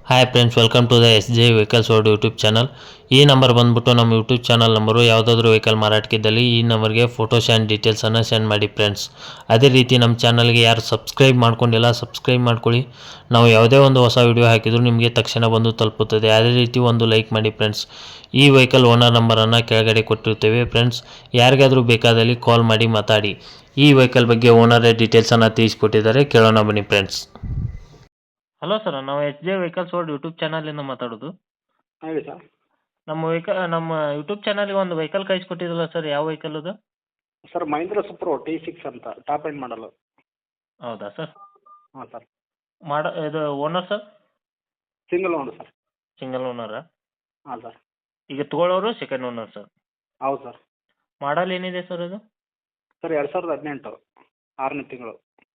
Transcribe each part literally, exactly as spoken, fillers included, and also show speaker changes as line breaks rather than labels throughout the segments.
Hi friends, welcome to the S J vehicles world YouTube channel. ಈ number ಬಂದ್ಬಿಟ್ಟು ನಮ್ಮ YouTube channel number. ಯಾವುದಾದ್ರೂ vehicle ಮಾರಾಟಕ್ಕಿದ್ದಲ್ಲಿ ಈ ನಂಬರ್ಗೆ ಫೋಟೋಸ್ ಆ್ಯಂಡ್ ಡೀಟೇಲ್ಸನ್ನು ಸೆಂಡ್ ಮಾಡಿ ಫ್ರೆಂಡ್ಸ್. ಅದೇ ರೀತಿ ನಮ್ಮ ಚಾನಲ್ಗೆ ಯಾರು ಸಬ್ಸ್ಕ್ರೈಬ್ ಮಾಡ್ಕೊಂಡಿಲ್ಲ ಸಬ್ಸ್ಕ್ರೈಬ್ ಮಾಡ್ಕೊಳ್ಳಿ. ನಾವು ಯಾವುದೇ ಒಂದು ಹೊಸ ವಿಡಿಯೋ ಹಾಕಿದರೂ ನಿಮಗೆ ತಕ್ಷಣ ಬಂದು ತಲುಪುತ್ತದೆ. ಅದೇ ರೀತಿ ಒಂದು ಲೈಕ್ ಮಾಡಿ ಫ್ರೆಂಡ್ಸ್. ಈ ವೆಹಿಕಲ್ ಓನರ್ ನಂಬರನ್ನು ಕೆಳಗಡೆ ಕೊಟ್ಟಿರ್ತೇವೆ ಫ್ರೆಂಡ್ಸ್. ಯಾರಿಗಾದರೂ ಬೇಕಾದಲ್ಲಿ ಕಾಲ್ ಮಾಡಿ ಮಾತಾಡಿ. ಈ ವೆಹಿಕಲ್ ಬಗ್ಗೆ ಓನರೇ ಡೀಟೇಲ್ಸನ್ನು ತಿಳಿಸ್ಕೊಟ್ಟಿದ್ದಾರೆ, ಕೇಳೋಣ ಬನ್ನಿ ಫ್ರೆಂಡ್ಸ್. ಹಲೋ ಸರ್, ನಾವು H J vehicles world YouTube ಚಾನಲಿಂದ ಮಾತಾಡೋದು.
ಹೇಳಿ ಸರ್.
ನಮ್ಮ ವೆಹಿಕಲ್ ನಮ್ಮ ಯೂಟ್ಯೂಬ್ ಚಾನಲ್ಗೆ ಒಂದು ವೆಹಿಕಲ್ ಕಳಿಸ್ಕೊಟ್ಟಿದ್ರಲ್ಲ ಸರ್, ಯಾವ ವೆಹಿಕಲ್ ಅದು?
Sir Mahindra Supro T six ಅಂತ ಟಾಪ್ ಎಂಡ್ ಮಾಡಲು.
ಹೌದಾ ಸರ್?
ಹಾಂ ಸರ್.
ಮಾಡ ಇದು owner sir?
Single owner sir.
Single ಓನರಾ?
ಹಾಂ ಸರ್.
ಈಗ ತೊಗೊಳೋರು ಸೆಕೆಂಡ್ ಓನರ್ ಸರ್?
ಹೌದು ಸರ್.
ಮಾಡಲ್ ಏನಿದೆ ಸರ್ ಅದು?
ಸರ್ ಎರಡು ಸಾವಿರದ ಹದಿನೆಂಟು ಆರನೇ ತಿಂಗಳು.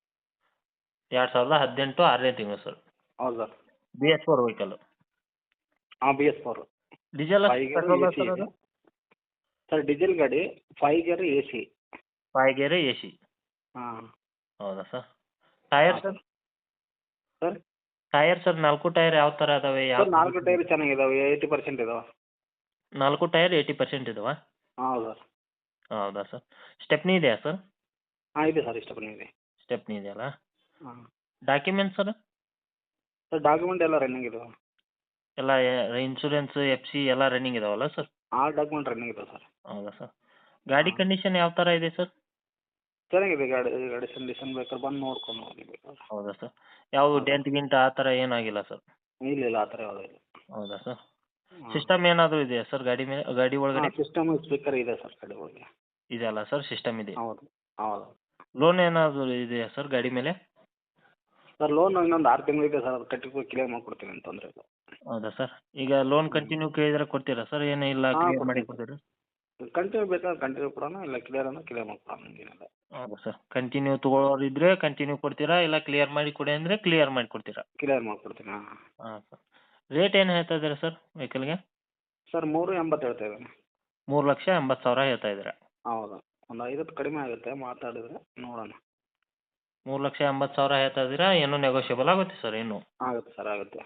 ಎರಡು ಸಾವಿರದ ಹದಿನೆಂಟು ಆರನೇ ತಿಂಗಳು ಸರ್.
ಹೌದು sir.
B S four vehicle?
ಹಾಂ B S four.
Diesel
five gear
petrol
A C
sir
ಇದೆ
ಅದು?
ಸರ್. ಡೀಸೆಲ್ ಗಾಡಿ, five gear A C.
Five gear A C?
ಹಾಂ.
ಹೌದಾ ಸರ್? ಟೈರ್
ಹಾಂ
ಸರ್?
ಸರ್.
ಟೈರ್ ಸರ್ ನಾಲ್ಕು tyre ಯಾವ ಥರ ಅದಾವೆ? ಯಾವ
ಸರ್ ನಾಲ್ಕು ಟೈರ್ ಚೆನ್ನಾಗಿದ್ದಾವೆ, ಏಯ್ಟಿ ಪರ್ಸೆಂಟ್ ಇದಾವೆ.
ನಾಲ್ಕು ಟೈರ್ ಏಯ್ಟಿ ಪರ್ಸೆಂಟ್ ಇದಾವಾ?
ಹೌದು ಸರ್.
ಹೌದಾ ಸರ್? ಸ್ಟೆಪ್ನಿ ಇದೆಯಾ ಸರ್?
ಹಾಂ ಇದೆ ಸರ್, ಇಷ್ಟ ಬಂದಿದೆ.
ಸ್ಟೆಪ್ನಿ ಇದೆಯಲ್ಲ?
ಹಾಂ
ಡಾಕ್ಯುಮೆಂಟ್ಸ್ ಸರ್?
ಸರ್ ಡಾಕ್ಯುಮೆಂಟ್ ಎಲ್ಲ ರನ್ನಿಂಗ್ ಇದಾವೆ.
ಎಲ್ಲ ಇನ್ಶೂರೆನ್ಸ್ ಎಫ್ ಸಿ ಎಲ್ಲ ರನ್ನಿಂಗ್ ಇದಾವಲ್ಲ ಸರ್?
ಆಲ್ ಡಾಕ್ಯುಮೆಂಟ್ ರನ್ನಿಂಗ್ ಇದಾವೆ ಸರ್.
ಹೌದಾ ಸರ್? ಗಾಡಿ
ಹಾಂ.
ಕಂಡೀಷನ್ ಯಾವ ಥರ ಇದೆ ಸರ್?
ಚೆನ್ನಾಗಿದೆ ಗಾಡಿ. ಗಾಡಿ ಕಂಡೀಷನ್ ಬೇಕಾದ್ರೆ ಬಂದು ನೋಡ್ಕೊಂಡು ಹೋಗಿ ಬೇಕಾದ್ರೆ.
ಹೌದಾ ಸರ್? ಯಾವುದು
ಹೌದು.
ಡೆಂಟ್ ಗಿಂಟ್ ಆ ಥರ ಏನಾಗಿಲ್ಲ ಸರ್?
ಇಲ್ಲ ಇಲ್ಲ, ಆ ಥರ ಯಾವುದೂ ಇಲ್ಲ.
ಹೌದಾ ಸರ್?
ಹಾಂ.
ಸಿಸ್ಟಮ್ ಏನಾದರೂ ಇದೆಯಾ ಸರ್ ಗಾಡಿ ಮೇಲೆ, ಗಾಡಿ ಒಳಗಡೆ?
ಹಾಂ, ಸಿಸ್ಟಮ್ ಸ್ಪೀಕರ್ ಇದೆ ಸರ್ ಗಾಡಿ ಒಳಗೆ.
ಇದೆಯಲ್ಲ ಸರ್, ಸಿಸ್ಟಮ್ ಇದೆ.
ಹೌದು ಹೌದು.
ಲೋನ್ ಏನಾದರೂ ಇದೆಯಾ ಸರ್ ಗಾಡಿ ಮೇಲೆ?
ಸರ್ ಲೋನ್ ಇನ್ನೊಂದು ಆರು ತಿಂಗಳು ಇದೆ ಸರ್, ಅದು ಕಟ್ಟಿ ಕ್ಲಿಯರ್ ಮಾಡಿಕೊಡ್ತೀನಿ ಅಂತ ತೊಂದರೆ ಇಲ್ಲ.
ಹೌದಾ ಸರ್? ಈಗ ಲೋನ್ ಕಂಟಿನ್ಯೂ ಕೇಳಿದ್ರೆ ಕೊಡ್ತೀರಾ ಸರ್? ಏನು ಇಲ್ಲ
ಹಾಂ
ಕ್ಲಿಯರ್ ಮಾಡಿ
ಕೊಡ್ತೀನಿ
ಕೊಡ್ತೀರಾ?
ಸರ್. ಕಂಟಿನ್ಯೂ ಬೇಕಾದ್ರೆ ಕಂಟಿನ್ಯೂ ಕೊಡೋಣ, ಇಲ್ಲ ಕ್ಲಿಯರ್ ಅಂದ್ರೆ ಕ್ಲಿಯರ್ ಮಾಡ್ಕೊಡೋಣ, ಹಂಗೇನಿಲ್ಲ.
ಹೌದಾ ಸರ್? ಕಂಟಿನ್ಯೂ ತೊಗೊಳೋರು ಇದ್ದರೆ ಕಂಟಿನ್ಯೂ ಕೊಡ್ತೀರಾ, ಇಲ್ಲ ಕ್ಲಿಯರ್ ಮಾಡಿ ಕೊಡಿ ಅಂದರೆ ಕ್ಲಿಯರ್ ಮಾಡಿ ಕೊಡ್ತೀರಾ?
ಕ್ಲಿಯರ್ ಮಾಡಿಕೊಡ್ತೀನಿ. ಹಾಂ
ಹಾಂ ಸರ್. ರೇಟ್ ಏನು ಹೇಳ್ತಾ ಇದ್ದೀರಾ ಸರ್ ವೆಹಿಕಲ್ಗೆ?
ಸರ್ ಮೂರು ಎಂಬತ್ತು ಹೇಳ್ತಾ ಇದ್ದೀನಿ.
ಮೂರು ಲಕ್ಷ ಎಂಬತ್ತು ಸಾವಿರ ಹೇಳ್ತಾ ಇದ್ದೀರಾ?
ಹೌದು. ಒಂದು ಐವತ್ತು ಕಡಿಮೆ ಆಗುತ್ತೆ ಮಾತಾಡಿದ್ರೆ, ನೋಡೋಣ.
ಮೂರು ಲಕ್ಷ ಎಂಬತ್ತು ಸಾವಿರ ಹೇಳ್ತಾ ಇದ್ದೀರಾ, ಇನ್ನೂ ನೆಗೋಷಿಯಬಲ್ ಆಗುತ್ತೆ ಸರ್ ಇನ್ನೂ.
ಆಗುತ್ತೆ ಸರ್, ಆಗುತ್ತೆ.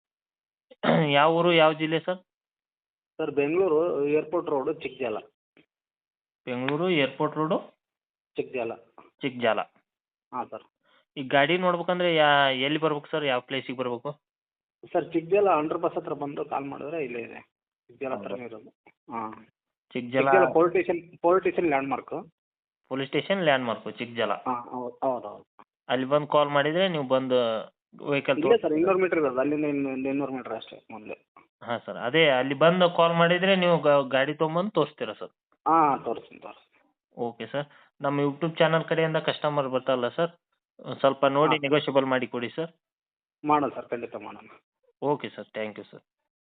ಯಾವ ಊರು, ಯಾವ ಜಿಲ್ಲೆ sir?
Sir Bengaluru airport road, Chikkajala.
Bengaluru airport road,
Chikkajala.
Chikkajala.
ಹಾಂ ಸರ್.
ಈ ಗಾಡಿ ನೋಡ್ಬೇಕಂದ್ರೆ ಯಾ ಎಲ್ಲಿ ಬರ್ಬೇಕು ಸರ್, ಯಾವ ಪ್ಲೇಸಿಗೆ ಬರಬೇಕು?
ಸರ್ ಚಿಕ್ಕಜಾಲ ಅಂಡರ್ ಪಾಸ್ ಹತ್ರ ಬಂದು ಕಾಲ್ ಮಾಡಿದ್ರೆ ಇಲ್ಲೇ ಇದೆ. ಚಿಕ್ಕಜಾಲ ಹತ್ರನೇ ಇರೋದು. ಹಾಂ.
Chikkajala
Chikkajala police station police station landmark.
Police station landmark Chikkajala.
ಹಾಂ ಹೌದು ಹೌದು ಹೌದು.
ಅಲ್ಲಿ ಬಂದು ಕಾಲ್ ಮಾಡಿದರೆ ನೀವು ಬಂದು ವೆಹಿಕಲ್
ಇಲ್ಲ ಸರ್, ಇನ್ನೂರು ಮೀಟ್ರ್ ಇರೋದು, ಅಲ್ಲಿಂದ ಇನ್ನು ಒಂದು ಇನ್ನೂರು ಮೀಟ್ರ್ ಅಷ್ಟೇ ಮೊದಲೇ.
ಹಾಂ ಸರ್, ಅದೇ ಅಲ್ಲಿ ಬಂದು ಕಾಲ್ ಮಾಡಿದರೆ ನೀವು ಗಾಡಿ ತೊಗೊಂಬಂದು ತೋರಿಸ್ತೀರಾ ಸರ್?
ಹಾಂ ತೋರಿಸ್ತೀನಿ ತೋರಿಸ್ತೀನಿ.
Okay sir. ನಮ್ಮ ಯೂಟ್ಯೂಬ್ ಚಾನಲ್ ಕಡೆಯಿಂದ ಕಸ್ಟಮರ್ ಬರ್ತಾರಲ್ಲ ಸರ್, ಒಂದ್ ಸ್ವಲ್ಪ ನೋಡಿ
ಹಾಂ
ನೆಗೋಷಿಯಬಲ್ ಮಾಡಿ ಕೊಡಿ ಸರ್.
ಮಾಡೋಣ ಸರ್, ಖಂಡಿತ ಮಾಡೋಣ.
Okay sir, thank you sir.